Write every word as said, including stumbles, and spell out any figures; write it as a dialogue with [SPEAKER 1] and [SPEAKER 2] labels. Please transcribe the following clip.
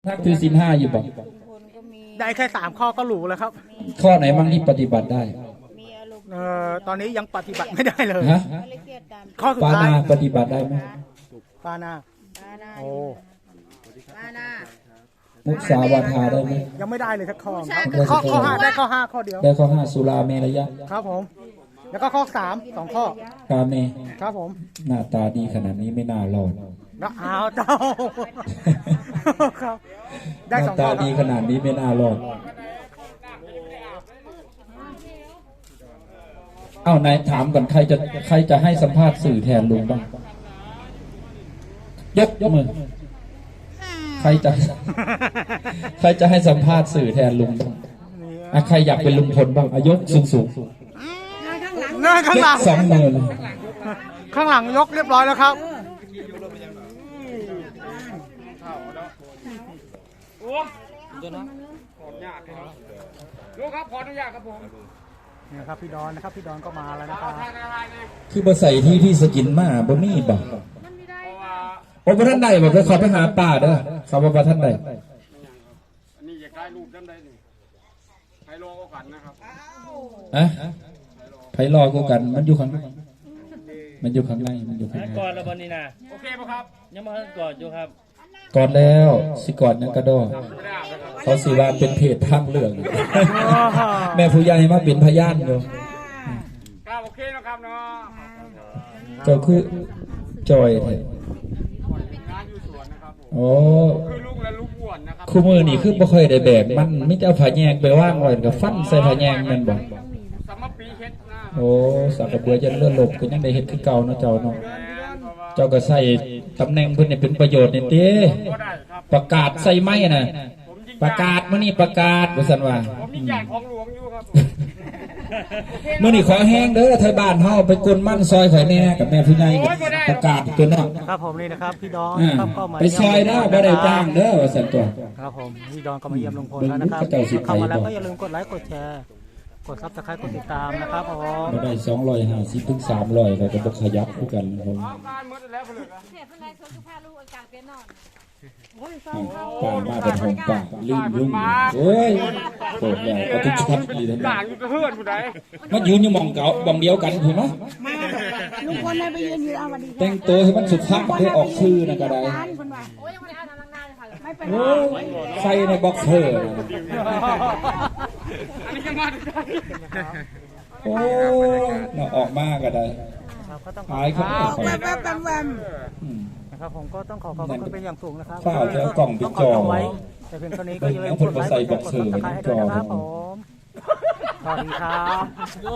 [SPEAKER 1] นักถือศีลห้าอยู่บ่
[SPEAKER 2] ได้แค่สามข้อก็หรูแล้วครับ
[SPEAKER 1] ข้อไหนมั่งที่ปฏิบัติได้
[SPEAKER 2] เอ่อตอนนี้ยังปฏิบัติไม่ได้เลย
[SPEAKER 1] ฮะ
[SPEAKER 2] ข้อสุด
[SPEAKER 1] ปา
[SPEAKER 2] ท้าย
[SPEAKER 1] นาปฏิบัติได้ไหม
[SPEAKER 2] ปานาโอ้
[SPEAKER 1] มุสาวาทาได้ไหม
[SPEAKER 2] ยังไม่ได้เลยสักข้อครับข้อข้อห้าได้ข้อห้าข้อเดียว
[SPEAKER 1] ได้ข้อห้าสุราเมรยะ
[SPEAKER 2] ครับผมแล้วก็ข้อสามสองข้อก
[SPEAKER 1] าเม
[SPEAKER 2] ครับผม
[SPEAKER 1] หน้าตาดีขนาดนี้ไม่น่ารอด
[SPEAKER 2] แล้วอ้าวเจ้าครับ
[SPEAKER 1] ได้สองข้อหน้าตาดีขนาดนี้ไม่น่ารอดเอ้านายถามก่อนใครจะใครจะให้สัมภาษณ์สื่อแทนลุงบ้างยกยกมือใครจะใครจะให้สัมภาษณ์สื่อแทนลุงบ้างอ่ะใครอยากเป็นลุงพลบ้างอายกสูงสูง
[SPEAKER 2] เนื่อข้างหลัง
[SPEAKER 1] สองมือเลย
[SPEAKER 2] ข้างหลังยกเรียบร้อยแล้วครับ
[SPEAKER 3] โอ้เดี๋ยวนะขออนุญาตครับลูกครับขออนุญาตครับผม
[SPEAKER 2] นี่ครับพี่ดอนนะครับพี่ดอนก็มาแล้วนะครับ
[SPEAKER 1] คือมาใส่ที่ที่สกินมาบ่มีบ่โอ้พระท่านใดบ่ไปขอไปหาป่าเด้อเขาบอกว่าท่านใด
[SPEAKER 3] อันนี้อยากได้รูปท่านใดนี่ไพโลก็กันนะครับ
[SPEAKER 1] อะไพรอกูกันมันอยู่ข้างในมันอยู่ข้างในมันอยู่ข้างใน
[SPEAKER 4] ก่อนแล้ววันนี้นะ
[SPEAKER 3] โอเคป่ะครับ
[SPEAKER 4] ยังมาก่อนอยู่ครับ
[SPEAKER 1] ก่อนแล้วสิก่อนยังกระโดดเขาสิว่าเป็นเพจทางเรื่องแม่ผู้ใหญ่มาเป็นพยานอยู่
[SPEAKER 3] ครับโอเคนะครับเนาะ
[SPEAKER 1] เจ้าคือจอยแท้โอ้
[SPEAKER 3] คือลูกและลูกบวชนะครับ
[SPEAKER 1] คู่มือนี่คือบ่ค่อยได้แบกมันไม่จะเอาผ้าแยงไปว่างไว้กับฟันใส่ผ้าแยงแม่นบ่
[SPEAKER 3] สมปีเฮ็ดนะ
[SPEAKER 1] โอ้สักกระเบือจะเลื่อนหลบก็ยังได้เฮ็ดคือเก่าเนาะเจ้าเนาะเจ้าก็ใส่ตำแหน่งเพิ่นนี่เป็นประโยชน์นี่ติประกาศใส่ไม้น่ะประกาศมื้อนี้ประกาศว่าซั่นว่า
[SPEAKER 3] ผมยิ่งใหญ่ของหลวงอยู่ครับ
[SPEAKER 1] มื้อนี้ขอแห้งเด้อไทยบ้านเฮาไปกลมันซอยข่อยแน่กับแม่ผู้ใหญ่ประกาศตัวเนาะ
[SPEAKER 2] ครับผมนี่นะครับพี่ดอนครับก็มา
[SPEAKER 1] ไปซอยเด้อบ่ได้จ้างเด้อว่าซั่นตัว
[SPEAKER 2] ครับผมพี่ดอนก็มาเยี่ยมลุงพลแล้วนะครับเข้ามาแล้วก็อย่าลืมกดไลค์กดแชร์กดซับสไครต์กดติดตามนะครับผม
[SPEAKER 1] บ่ได้สองร้อยห้าสิบถึงสามร้อยก็จะบ่ขยับคือกันผมป่ามาเป็นของป่าลืมลุงโอ้ยโกรธแล้วเอาทุกช็อตดีทั้งนั้นมันยืนอยู่มองเก่าบังเดียวกันถูกไหม
[SPEAKER 5] ลุงพลไปยืนอยู่เอาวันดี
[SPEAKER 1] แต่งตัวให้มันสุภาพได้ออกชื่อนะก็ได้โอ้ยใส่ในบ็อกเซอร์
[SPEAKER 3] อันนี้ยังมาดูได้
[SPEAKER 1] โอ้ยน่าออกมากก็ได้หายเขาออก
[SPEAKER 5] แวมแวมแวมแวม
[SPEAKER 2] นะครับผมก็ต้องขอขอบคุณเป็นอย่างสูงนะครับ
[SPEAKER 1] ข้าวแล้วกล่องปิดจอ
[SPEAKER 2] ไว้แต่เพียงเท่านี้ก็อย่าลืมกดไลค์กดซับสไครต์ให้ด้วยนะครับผมสวัสดีครับ